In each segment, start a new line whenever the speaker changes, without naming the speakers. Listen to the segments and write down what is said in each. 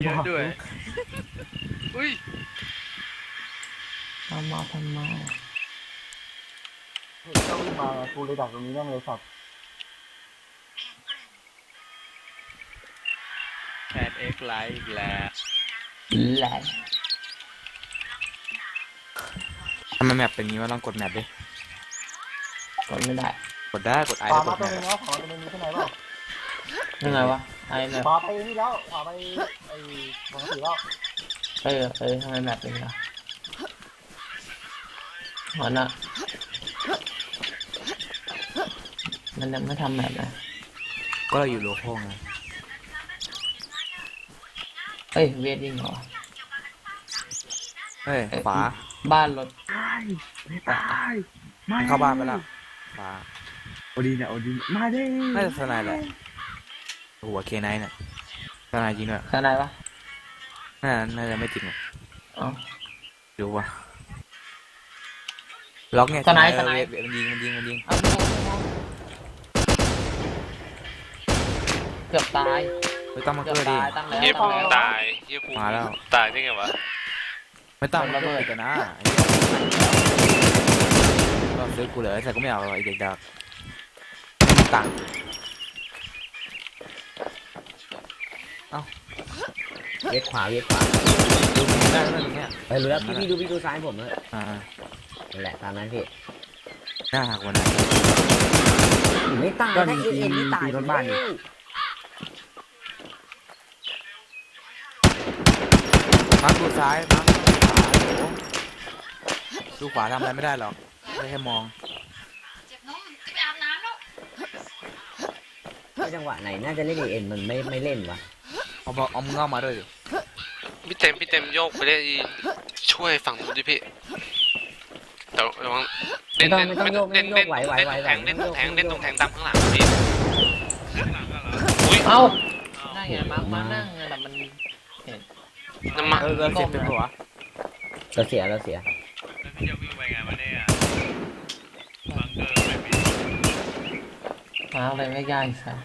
เยอะด้วยอุ้ย
ทำไม
เฮ้ยเจ้าวิ่งมากูเลยดักตรงนี้แม่งเลยสัตว์
แพนเอ็กไลท์อีกแล้ว
แหละ
ทำไมแมปเป็นงี้วะลองกดแมปดิ
กดไม่ได้
กดได้กดไอ
ขวา
แล้วก
มา
ด
ตัว
แมป
นึงแล้วขวามาตัวนึงมีที่ไหนบ้าง
ยังไงวะไอ้แบบ
ขวาไปนี่แล้วขวาไปไอ้ปกติแล้ว
ทำไมแบบเป็นล่ะหัวหน้ามันยังไม่ทำแบบนะ
ก็เราอยู่โลโก้ไง
เฮ้ยเวทยิงเหรอ
เฮ้ยขวา
บ้านรถ
ไม่ตายไม่
เข้าบ้านไปละขวา
โอดีเนี่ยโอดีมาดิ
น่าจะสไนแหละหัวเคไนเนี่ยสไนจริงด้วย
ข้างในปะ
น่าจะไม่จริงหรอก
อ๋อ
ดูวะล็อกไง
สไน
เวทมันยิง
เอาไปมองเกือบตาย
ไม่ต้องมา
เกือ
เกิ
บ
ดดิ
ตายตั้งแล้ว
เฮีย
ตั้
ภู
ง
มิ
แล้ว
ตายเฮียภูมิ
มาแล้ว
ตายได้ไงวะ
ไม่ต้องมาเกิดกันนะก็ซื้อกูเลยแต่ก็ไม่เอาไอ้เด็กดักตังค์
เวียดขวาเวียดขวา
ดูได้ไหมตรงเนี้ย
ไปรู้แล้วพี่ดูซ้ายผมเลย
อ่า
นั่นแหละตามนั้นพี่
หน้าหักวันไหน
ไม่ตาย
ก็
นะ
มี
เอ็นไม่ตาย
ตีรถบ้านอยู่
มาดูซ้ายมาดูขวาทำอะไรไม่ได้หรอกได้แค่มอง
เจ็บน้องจะไปอาบน้ำแล้ว
ว่าจังหวะไหนน่าจะเล่นเอ็นมันไม่เล่นวะ
เอามึงเอามาด้วยดิ
พี่เต็มโยกไปเล่นช่วยฝั่งนู้นดิพี่แต่ระวัง
ไม่ต้องโยกไม่ต้องโยกไหว
เล่นตรงแทงตามข้างหลังพี่อุ้ย
เอ้านั่งไงมานั่งไงแต่มันเห็น
น้ำมัน
เราเสียเป็นหัว
เราเสีย
แล้วพี่จะวิ่งไปไงวะเนี่ยบังเกอร์ไม่มี
มาอะไรไม่ยากอีกสัส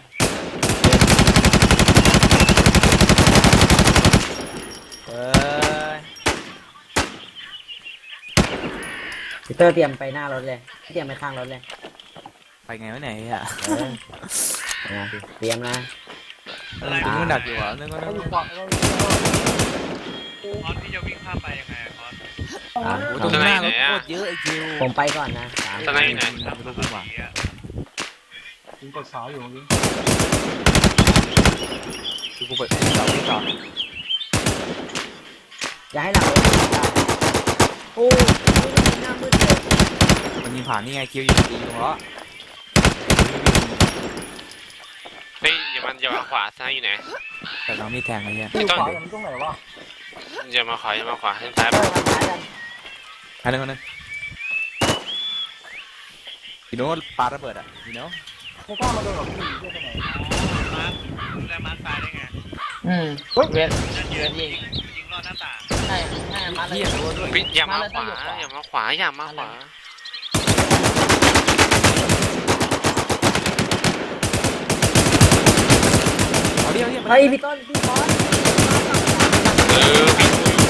เอ้ย
พีเตอร์เตรียมไปหน้ารถเลยเตรียมไปข้างรถเลย
ไปไงวะไหนอ่ะ
นะเตรียมนะ
นึกว่าดักอยู่อ่ะนึกว่า
เขาอยู่ขวาเขา
คอนพี่จะวิ่งข้ามไปยังไงคอน
ตรงหน้ารถโคตรเยอะไอ้คิว
ผมไปก่อนนะ
ตอนไหนไหน
ไม่รู้กูว่า
ยิงกดขาอยู่ยิง
คือกูเปิดเราที่ต่อ
อย่าให้หลังรถโอ้หน้ามืดเลย
มันยิงผ่านนี่ไงคิวอยู่ตีตรงล้อ
เฮ้ยอย่ามาขวาซ้ายอยู่ไหน
แต่เรามีแทงไอ้เหี้ย
อยู่ขวาอย่างนี้ตรงไหนวะ
อย่ามาขวาทางซ้าย
เตอร์ทางซ้ายกัน
อันนึงอีโน่ปาระเบิดอ่ะอีโน่
ไม่กล้ามาโดนหรอกพี่เพื่อนไปไหน
แล้วมาซ้ายได้ไง
เวทยิง
ยิงรอดหน้าต่าง
ใช่มาเลย
เหี้ยตัวด้วย
อย่ามาขวาอย่ามาขวา
เอาเดียว
เฮ้ยพี่ต้นพี่บอส
พี่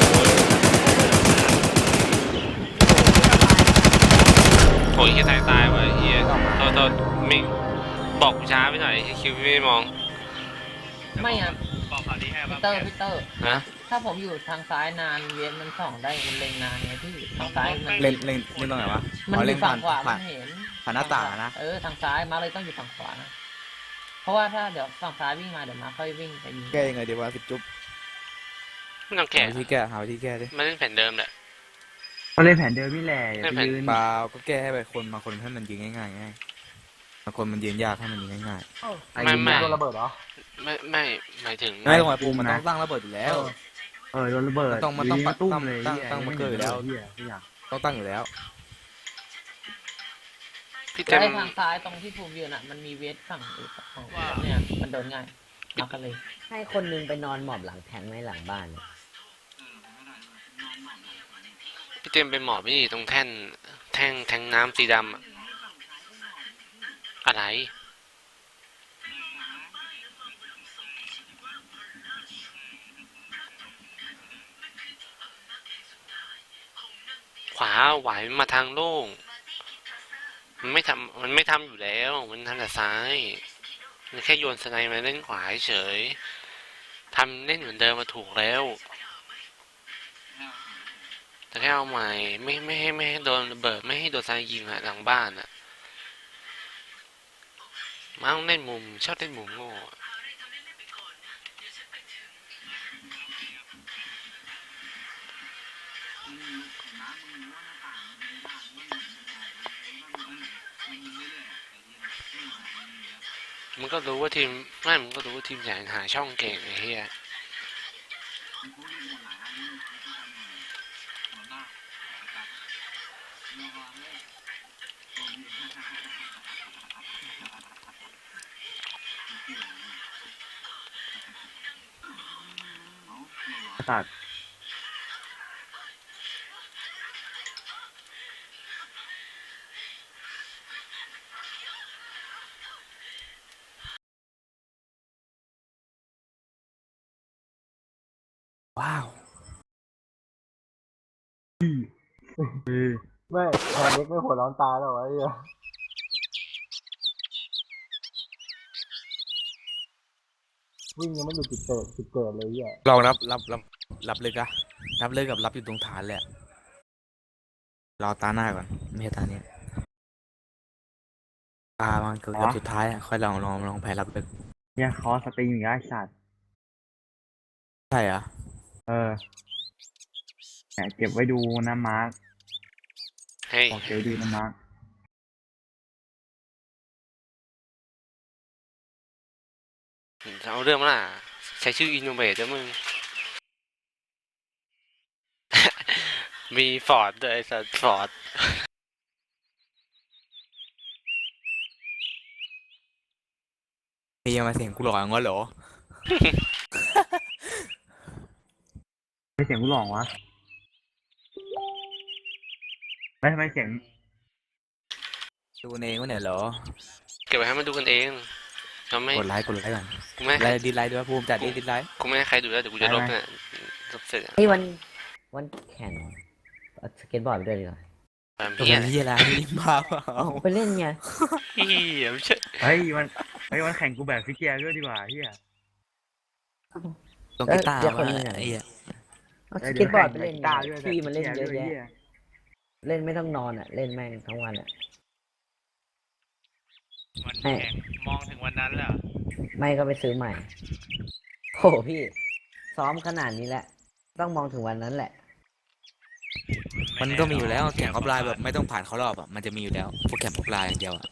โอ้ยเฮียตายวะเฮียโทษมิงบอกกูช้าไปหน่อยคิวพี่ไม่มอง
ไม่อ่ะ
บอกข่าวดีให้
พี
ป่ะ
เตอร์
ฮะ
ถ้าผมอยู่ทางซ้ายนานเวทมันส่องได้มันเล็งนานไงพี่ทางซ้ายมัน
เล่นตรงไหนวะ
มันอยู่ฝั่งขวา
ผ่า
มัน นเห็น
ผ่านหน้าต่างนะ
ทางซ้ายมาเลยต้องอยู่ฝั่งขวานะเพราะว่าถ้าเดี๋ยวฝั่งซ้ายวิ่งมาเดี๋ยวมาค่อยวิ่งไปยิง
แก้ยังไงดีวะสิบจุ๊บ
ไม่ต้อง
หา
แกะ
วิธีแก้หาวิธีแก้ดิ
มันเล่นแผ่นเดิมแหละ
ก็เล่นแผนเดิมนี่แหละอย่าไปยืน
เปล่าก็แก้ให้ไปคนบางคนให้มันยิงง่ายๆไงบางคนมันยืนยากให้มันยิงง่าย
ไม่
โดนระเบิดเหรอ
ไม่หมายถึง
ๆไม่ตรงไหนปูมันต้องตั้งระเบิดอยู่แล้ว
โดนระเบิด
มันต้อง
ตุ้มเลย
ตั้งมาเกิดอยู่แล้ว
เหี้ยทุกอย่าง
ต้องตั้งอยู่แล้ว
พี่เต็
แล้ว
ม
ไอ้ทางซ้ายตรงที่ภูมิยืนอ่ะมันมีเวทฝั่งอีกฝั่งเนี่ยมันโดนง่ายมากันเลย
ให้คนนึงไปนอนหมอบหลังแทงไว้หลังบ้าน
พี่เต็มไปหมอบนี่ตรงแทงน้ำสีดำอะไรวาไหวมาทางโล่งมันไม่ทำอยู่แล้วมันทำแต่ซ้ายมันแค่โยนสไนมาเล่นขวาเฉยทำเล่นเหมือนเดิมมาถูกแล้วแต่แค่เอาใหม่ไม่ให้โดนระเบิดไม่ให้โดนสไนยิงอะหลังบ้านอะมาต้องเล่นมุมชอบเล่นมุมโง่มึงก็รู้ว่าทีมไม่มึงก็รู้ว่าทีมใหญ่หาช่องเก่งไอ้เหี้ย
ตัด
ว้าว
ไม่แทนเล็กไม่หัวร้อนตายแล้ววะไอ้เหี้ยวิ่งยังไม่หยุดจุดเกิดเลยไอ้เหี้ย
ลองรับเลยกะรับเลยกับรับอยู่ตรงฐานเลยอะรอตาหน้าก่อนไม่ใช่ตาเนี้ยตามันเกือบสุดท้ายอะค่อยลองแพ้รับเลย
เนี่ยคอสตรีมอย่างเงี้ยไอ้สัตว์
ใช่เหรอะ
เออเนี่ยเก็บไว้ดูนะมาร์ค
เฮ้ย
บอกเก็บไว้ดูนะมาร์ค
เอาเรื่องมาล่ะใช้ชื่ออินโนเวทด้วยมึง มีฟอร์ดด้วยสัตว์ฟอร์ด
มีมาเสียงกูหลอกงั้นเหรอ
ไม่เสียงกูหลองวะไม่ทำไมเสียง
ดูเองวะเนี่ยเหรอ
เก็บไว้ให้มันดูกันเองเราไม่
กดไลค์ก่อน
กูไม่ให้
ไลค์ดิสไลค์ด้วยภูมิจัดดิสไลค์
กูไม่ให้ใครดูแล้วเดี๋ยวกูจะลบเนี่ยลบเสร็จอะ
เฮ้ยวันแข่งเอาสเก็ตบอร์ดไปด้วยดีกว่า
แบบ
ตัว
เหี้ย
นี้อะไรนี่มาเปล่า
ไปเล่นไง
เหี้ยไม่ใช่
เฮ้ยมันแข่งกูแบบฟิกเกียร์ด้วยดีกว่าเฮีย
ตรงกีตาร์
เดี๋ยวคน
มา
หนึ่งอะ
ไอ้เหี้ย
เอาสเก็ตบอร์ดไปเล่น
ตาด้วย
พี่มันเล่นเยอะ
ด้วย
แยะเล่นไม่ต้องนอนอ่ะ เล่นแม่งทั้งวันอ่ะ
วันแข่งมองถึงวันนั้นแล้ว
ไม่ก็ไปซื้อใหม่โหพี่ ซ้อมขนาดนี้แหละ ต้องมองถึงวันนั้นแหละ
มันก็มีอยู่แล้วแข่งออฟไลน์แบบไม่ต้องผ่านเขารอบอ่ะมันจะมีอยู่แล้วโปรแกรมออฟไลน์อย่างเดียวอ่ะ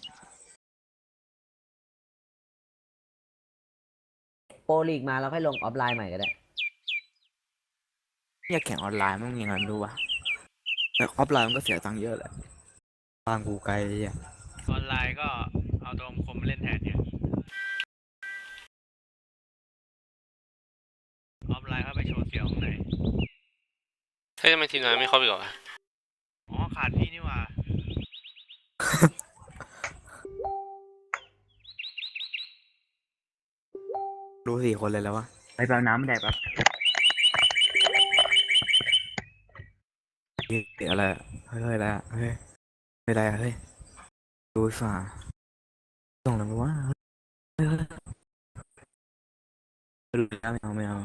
โปรลีกมาแล้วค่อยลงออฟไลน์ใหม่ก็ได้
เนี่ยแข่งออนไลน์มันยังไงไม่รู้ว่ะแต่ออฟไลน์มันก็เสียตังค์เยอะแหละบ้านกูไกลไอ้เหี้ย
ออนไลน์ก็เอาตัวคมมาเล่นแทนเนี่ยออฟไลน์เข้าไปโชว์เสียงข้างในเฮ้ยทำไมทีมนั้นไม่ครบอีกเหรออ๋อขาดพี่นี่หว่า
รู้4 คนเลยแล้ววะ
ไปแปลน้ำไม่ได้ปะ
เดี๋ยวอะไรอะเฮ้ยอะไรอะเฮ้ยไม่ได้อะเฮ้ยดูฝ่าส่งอะไรมาวะเฮ้ยดูแล้วไม่เอา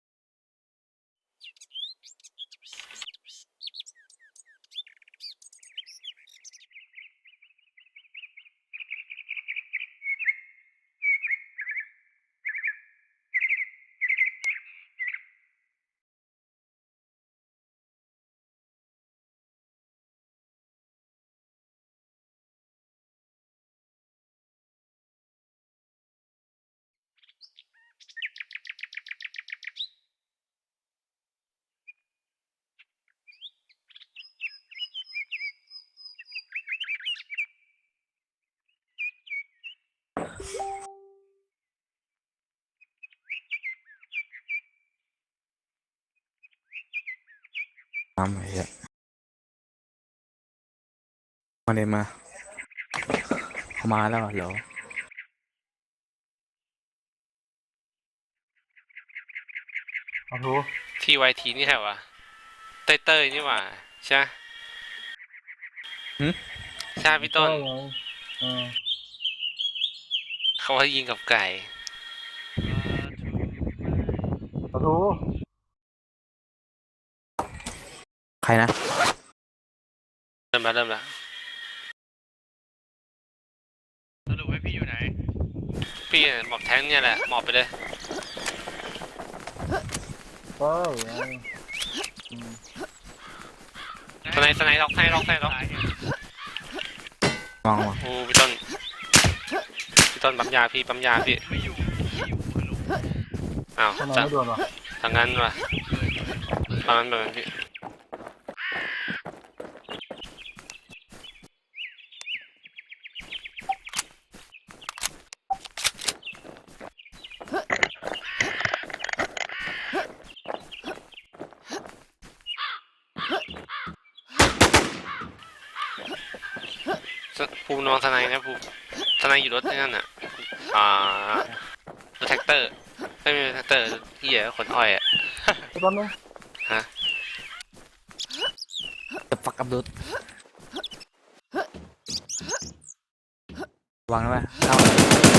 ทำไอ้เหี้ยมาเลยมาเขามาแล้วเหรอ
เอาทู
ทีไวทีนี่ใครวะเต้ยนี่หว่าใช่ไหมใช่พี่ต้น
ไงเออ
เขาว่ายิงกับไก่
ขอโทษ
ใครนะ
เริ่มแล้ว
สรุปให้พี่อยู่ไหน
พี่หมอบแท้งเนี่ยแหละหมอบไปเลย
ก็ไงอืม
สไนล็อก
มองว่ะ
โอ้พี่ต้นปั๊มยาพี่
ไม่อยู่ฮัลโหล
อ้าว
ทำไม
จะ
ไม่โดนวะ
ทางนั้นว่ะประมาณแบบนั้นพี่ภูมินอนสไนนะภูมิสไนอยู่รถนั่นน่ะรถแท็กเตอร์ไม่ใช่แท็กเตอร์เหี้ยขนอ้อยอ่ะ
ไอ้ต้นนึง
จะฟักกับดุดวางไว้เข้าเลย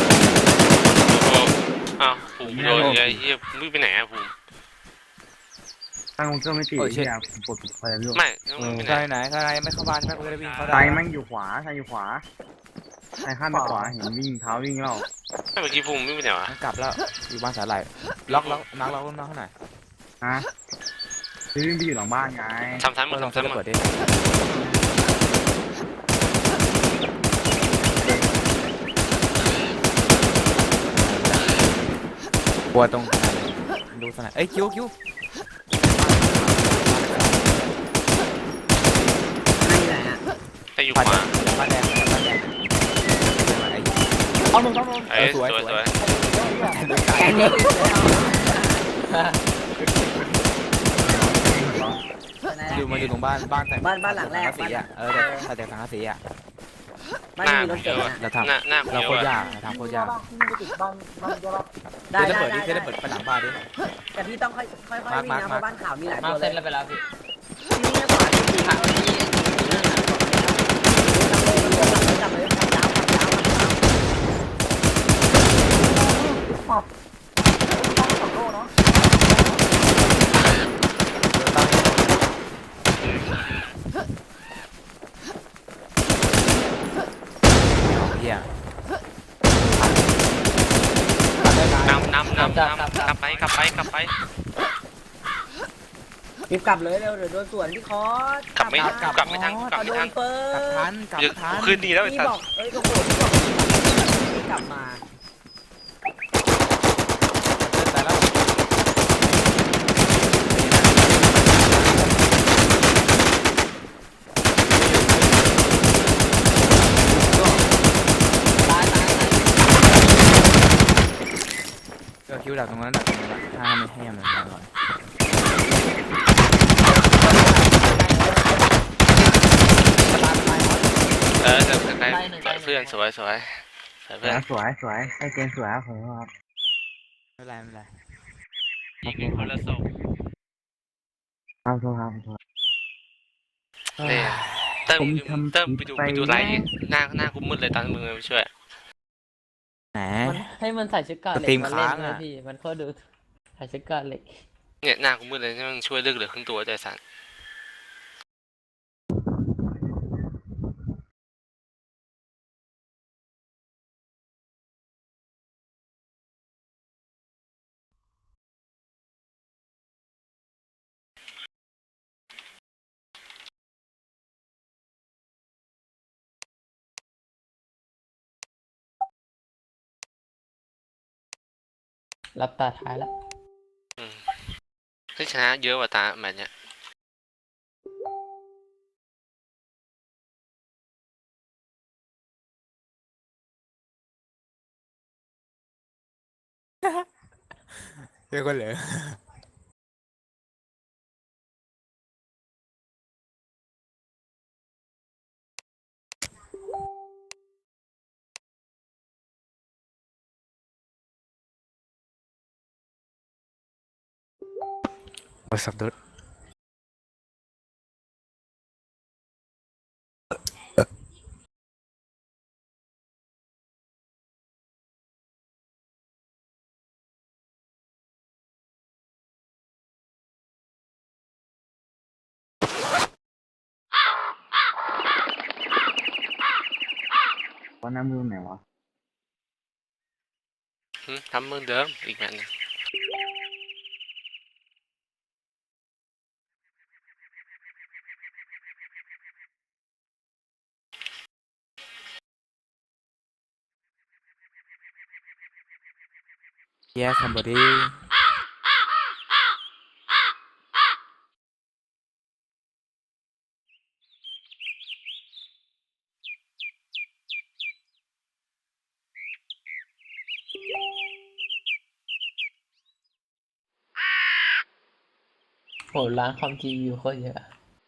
อ้าวภูมิโดนไอ้เหี้ยมึงไปไหนอะภูมิ
ตั้งเครื่องไม่ติดที่อ่ะผมกดไฟแล้ว
ไม่มึงไปไหน
ใครไหนไม่เข้าบ้านใช่ไหมกูจะได้วิ่งเข้า
ซ้า
ได้
ยแม่งอยู่ขวาซ้ายอยู่ขวาซ้ายข้ามไปขวาเห็นวิ่งเท้าวิ่งแล้ว
ไม่เมื่อกี้ภูมิวิ่งไปไหนวะ
มันกลับแล้วอยู่บ้านสาหร่ายล็อกนักล็อกข้างไหน
ฮะวิ่งไปอยู่หลังบ้านไง
ทำซ้ำหมด
ลอง
ทำซ้ำหม
เปิ
ด
ดดิกลัวตรงดูสนามเอ้ยคิว
ไม่ไหนอ่ะ
ไปอยู่ขวา
บ้านแดง
เอาหนึ่งต้องลง
เอ้ยสวย
แกนี่
อยู่มาอยู่ตรงบ้านแต่ง
บ้านหลังแรก
สีอ่ะแต่สังกะสีอ่ะ
บ้าน
หน้า
มีรถเก๋งอ่ะ
เราทำ
หน้า
เราโคตร
ย
ยากทำโคตรยาก
บ้านที่มันจะติดบ้านเดียวละ
ได้
จะ
ได้
เปิดดิ
ได้
จะเปิดไปหลังบ้านดิ
แต่พี่ต้องค่อยวิ่งนะเพราะบ้านขาวมีหลาย
มา
ตัว
เซ็
เล
ต
ย
แล้วไปแล้วพี่
ที่นี่ขวาที่ขาวที่จับเลยจับยาว
ต้องสองโลเนาะ
เฮีย
นำกลับไป
รีบกลับเลยเร็วเดี๋ยวโดนสวนพี่คอส
กลับไม่ทัน
โดนเปิ
กลับ
ด
ทันกลับทัน
คืนดีแล้วไอ้
พี่
สัส
บอกเอ้ยโอ้โหพี่บอกพี่กลับมา
แต่แล้ว ก็คิวดักตรงนั้นถ้าไม่ให้มันมาก่อน
แต่เพื่อนสวยเพื่อน
สวยไอ้เกมสวยผมครับ
ไม่เป็นไร
ยิงกันคนละศพ
ครับโทษครับ
เนี่ยเติมไปดูไลท์หน้ากูมืดเลยตอนมึงไปช่วย
แหม
ให้มันใส่ชุดเกาะเหล็ก
สตรีม
มาเล่น
ค้าง
เล
อะ
ยพี่มันก็ดูใส่ชุดเกาะเหล็ก
เนี่ยหน้ากูมืดเลยที่มึงช่วยเลือกเหลือครึ่งตัวใจสัน
รับตาท้ายแล้ว
ที่ชนะเยอะกว่าตาแบบเนี้ย
เรียกว่าเหลือโอ้สับดุด
ว่าหน้ามือไหนวะ
ทำเหมือนเดิมอีกแบบหนึง
Yeah somebody
โหร้านคอม GPU โคตรเยอะ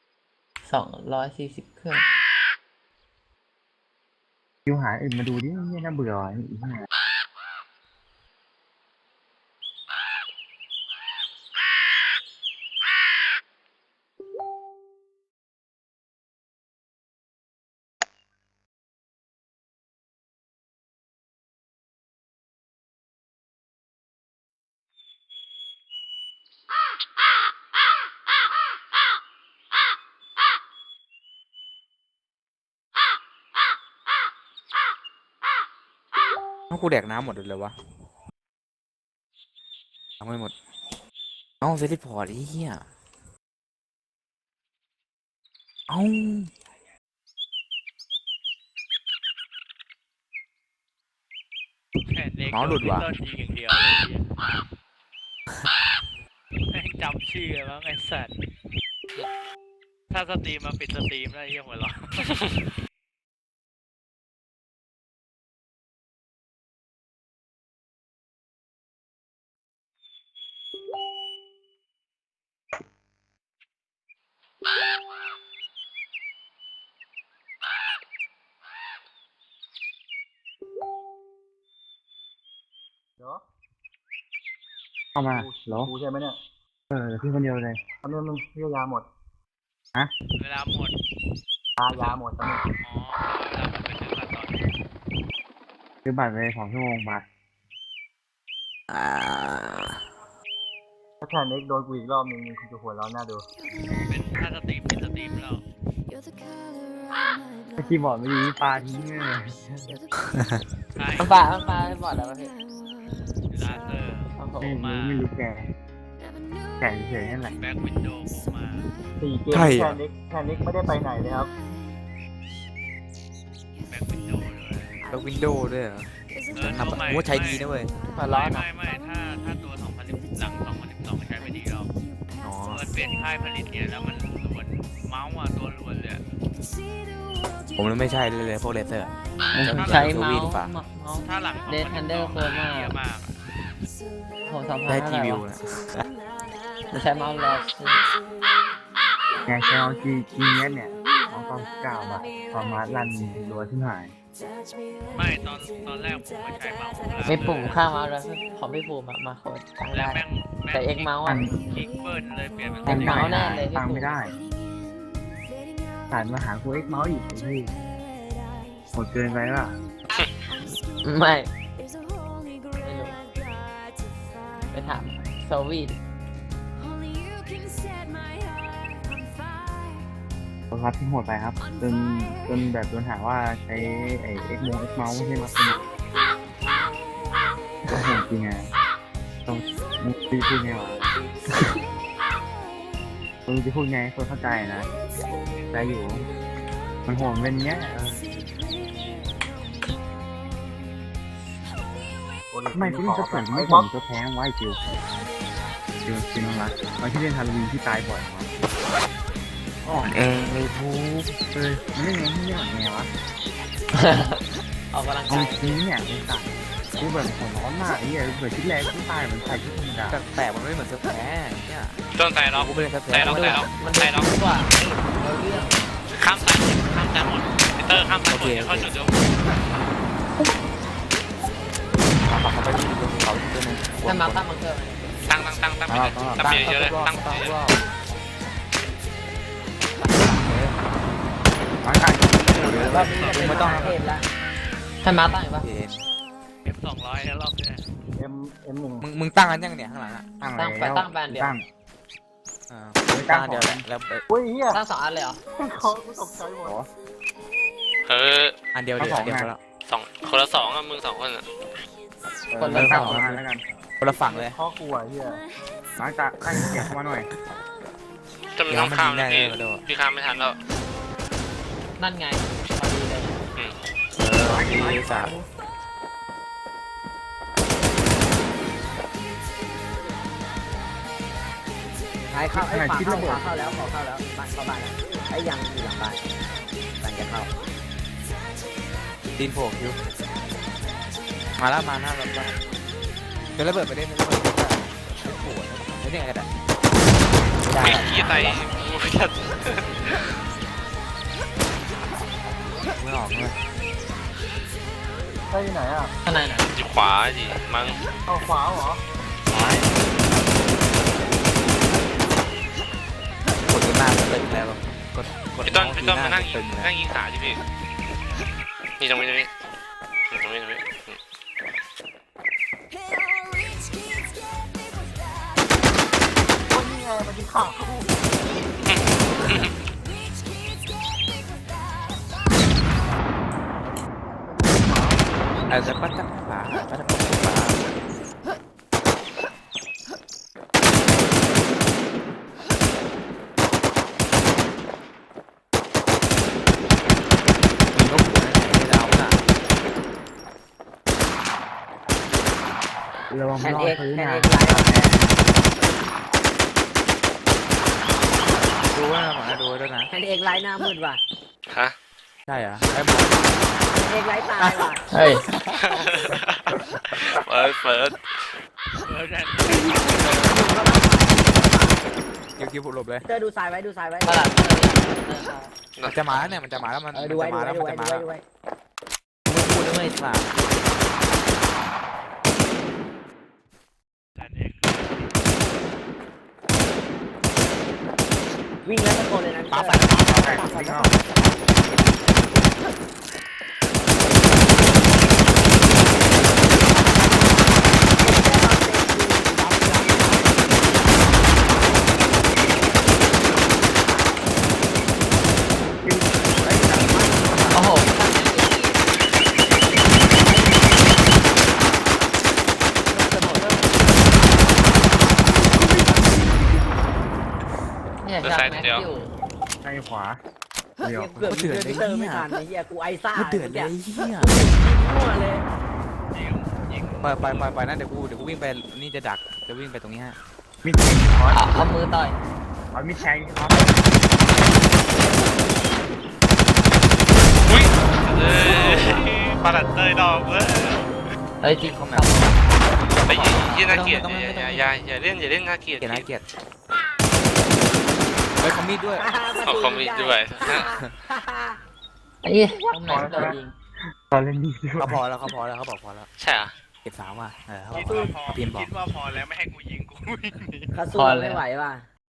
240 เครื่อง
คิวหาอื่นมาดูดิเนี่ยน่าเบื่อว่ะอีกเนี่ย
ต้องกูแดกน้ำหมดเลยวะเอาไม่หมดเอ้าเซติพอร์ตไอ้เหี้ยเอ้า
แค่เล็ก
เมาส์หลุดว่ะ
ต้นยิงอย่างเดียวเลยเนี่ยแม่งจำชื่อมั้งไอ้สัตว์ถ้าสตรีมมาปิดสตรีมได้เยี่ยมหัวเราะ
เดี๋ยว
เข้ามาเหรอ
กูใช่ไหมเนี่ย
เออพี่คนเดียวเลย
ตอนนี้มึงเรียกยาหมด
เวลาหมด
ยาหมดตอนนี้
อ๋อเวลามันไปซื้อมาตอน
ซื้อบัตรไป2 ชั่วโมงมา
อ่า
ถ้าแค่เน็กโดนกูอีกรอบนึงมึงคงจะหัวเราะหน้าดู
เป็นถ้าสตรีมปิดสตรีมแล้ว
ถ้าคีย์บอร์ดไม่ดีปลาทิ้งเลย
ใช่
มันปลาไม่บอดแล้วพี่
ลาเซอร์
โอ้โห
ไม่รู้แกเฉยๆนั่นแหละ
แบ็กวินโดว์ผมมา
4 เกมแค่เน็กไม่ได้ไปไหนเลยครับ
แบ็กวินโดว์ด้วย
แล้ววินโดว์ด้วยเหรอ
ตัว
ทำ
ใหม่
โอ้ใช้ดีนะเว้ย
มาร้อนอ่ะ
ไม่ถ้าตัว2010หลัง2012มันใช้ไม่ดีหรอก
อ๋อ
มันเปลี่ยนค่ายผลิตเนี่ยแล้วมันล้วนเมาส์อ่ะตัวล้วนเลยอะ
ผมไม่ใช่เลยพวกเลเซอร์
ผมใช้เมา
วี
ส์
ดีกว่า
เมาส์
ถ้าหลัง
Dead Thunder
2012
โคตรมาก
เยอะมากอะ
โห2,000
ได้
เท่า
ที
ไหร่
วิว
วะ
นะ
จะใช้เมาส์ลอส
ไงใช้เอาจีเนี้ยเนี่ย299 บาทสามารถรันรัวขึ้นหาย
ไม่ตอนแรกผมไม่ใช้เมาส์
ไม่ปุ่มข้างเมาส์แล้วของพี่ภูมิมาโคตรตั้ง
แล้
ได้
วแม่ง
แต่ X เมาส์อ่ะ
คลิกเบิร์นเลยเปลี่ยนเป็น
แต่เมาส์แน่เลยพี่
ตั้ง
ภู
ไม่
มิ
ได้ผ่านมาหากูเอ็กเมาส์อีกไอ้พี่โหดเกินไปป่ะ
ไม่รู้ไปถามโซวีด
โทรศัพท์ที่โหดไปครับจนแบบโดนหาว่าใช้ไอ้เอ็กเมาส์ไม่ใช่มาเป็นก็โหดจริงไงต้องมึงจะพูดไงวะมึงจะพูดไงคนเข้าใจนะใจอยู่มันโหดเป็นเงี้ยไม่คุณจะเปิดไม่ผมจะแพ้ไว้จิวน้องรักตอนที่เล่นฮาโลวีนที่ตายบ่อยมั้ง
อ่อนเองเลยพู
มันเล่นไงที่เล่นไงวะ
ออกกำลัง
เอา
กาย
จริงเนี่ยไอ้สัตว์คือแบบหัวร้อนมากไอ้เหี้ยเกิดชิ้นแรกที่ตายมันใส่ชุดธรรมดา
แปลกๆมันไม่เหมือนเสื้อแพ้เนี่ย
ต้นไทรล็อก
กูไม่เล่นเสื้อแพ้
ไทรล็อกไทรล็อก
มัน
ไทรล็อก
ดีกว่าเราเรื่อง
ข้ามซ้ายหมดพีเตอร์ข้ามซ้ายหมดเดี๋ยวเข้าจุดเดียว
ปักเข้าไปที่ตรงเขาที่ตัวนึง
ถ้ามาตั้งบังเกอร์
ตั้งไปเลยตั้งไปเยอะเลยตั้งไปเยอะ
ร่างกาย
รอบนี้จะเป็นมาเทพแล้วถ้ามาตั้งอีกปะ
F200 แล้วรอบเนี้ย
M1
มึงตั้งกันยังเนี่ยข้างหลังอ่ะ
ตั้งแล้ว
ตั้งแบรนด์เดียว
ตั้ง
อ่าตั้งอันเดียวแหละแล้ว
อุ้ยเฮีย
ตั้ง2 อันเลยเหรอ
เขากูตกใจหมด
เออ
อันเดียวเดียวอันเดียวพอแล้ว
คนละสองอะมึง2 คนอะ
คนละ
ตั้ง
สอง
มาแล้วกัน
คนละฝั่งเลย
ข้อกูอ่ะเฮีย
มาร์คตาตั้งเกียร์เข้ามาหน่อย
จะมันต้องข้ามนะพี่
เดี๋ยวมันยิงได้เลย
พี่ข้ามไม่ทันแล้ว
นั่นไงพอดีเลย
ดีสาม
ท้ายเข้าไอ้ขวาเข้าขวาเข้าแล้วขวาเข้าแล้วบ้านเข้าบ้านแล้วไอ้ยังอยู่หลังบ้านบ้านจะเข้า
ตีนโผล่คิวมาแล้วมาหน้ารถบ้านเดี๋ยวระเบิดไปได้ไหมระเบิดไปได้โอ้โหไม่ได้ไงกันอ่ะไม่ได้
วิ่งขี้ใส่กูไม่ทัน
ไม่ออกเลย
ได้ที่ไหนอ่ะ
ข้างในน่ะ
อยู่ขวาดิมั้ง
เอาขวาเหรอ
กดกันหน้าก็ตึงแล้วกด
พี่ต้น
ที
มานั่งยิ
ตึ
ง
งนะ
นั่งยิงขาดิพี่นี่ตรงนี้นี่ตรงนี้
คนนี้ไงมันที่ขากู
อาจจะปัดจับป่าปัดจับป่ามีนกหัวในดาวน่ะ
ระวัง
แท
ไม่
น
รอ
เอ
ด
ก
พื้น
แทน
นะ
เอกไลน์
ดูว่าหมาดูด้วยนะ
แทนเอกไลน์หน้ามืดว่ะ
ฮะ
ใช่เหรอไอ้บอก
แทนเอกไลน์ตายว่ะ
เฮ้ย
เปิด
คิวหลบเลย
เตอร์ดูซ้ายไว้ดูซ้ายไว้
ตลาด
มันจะมาแล้วเนี่ยมันจะมาแล้วมัน
เออดูไว้
จะ
ดู
มา
ไว้
แล้ว
ดู
มัน
ไว้
จะ
ดู
มา
ไว้
แล้ว
ดูไว้
พูดด้วยสา
วิ่งแล้วตะโกนเลยนะ
ปั๊บ
เต
ไป
อร์
วิ่งเข้า
โอ้โหเนี่ยจากแม็กซ์อยู่
ตั้งขวาเดี๋ยว
เกือบยิงเตอร์ไม่ทันไอ้เหี้ยกูไอซ่า
มันเดือดเลยเฮีย
มั่วเลย
ไปนะเดี๋ยวกูวิ่งไปนี่จะดักจะวิ่งไปตรงนี้ฮะ
มิดแทงคอร์ส
เอามือต่อย
เอามิดแทงคอร์ส
อุ้ยปาดัดเตยดอกเว้ย
เฮ้ยจริงเขาแบบ
ไปยี่น่าเกลียดอย่าเล่นน่าเกลียด
เกลียดนะเกลียดเฮ้ยคอมมีดด้วย
เอาคอมมิด้วย
ไอ้เหี้ยตรงไหนโดนยิง
ตอนเล่นนี่ด้วย
เขาพอแล้วเขาบอกพอแล้ว
ใช่เหรอ
เก็บสาวว่ะเขา
คิด
บอก
ว่าพอ
เปลี่ยนบอก
คิดว่าพอแล้วไม่ให้กูยิงกูวิ่งหนี
เขาสู้ไม่ไหวว่ะ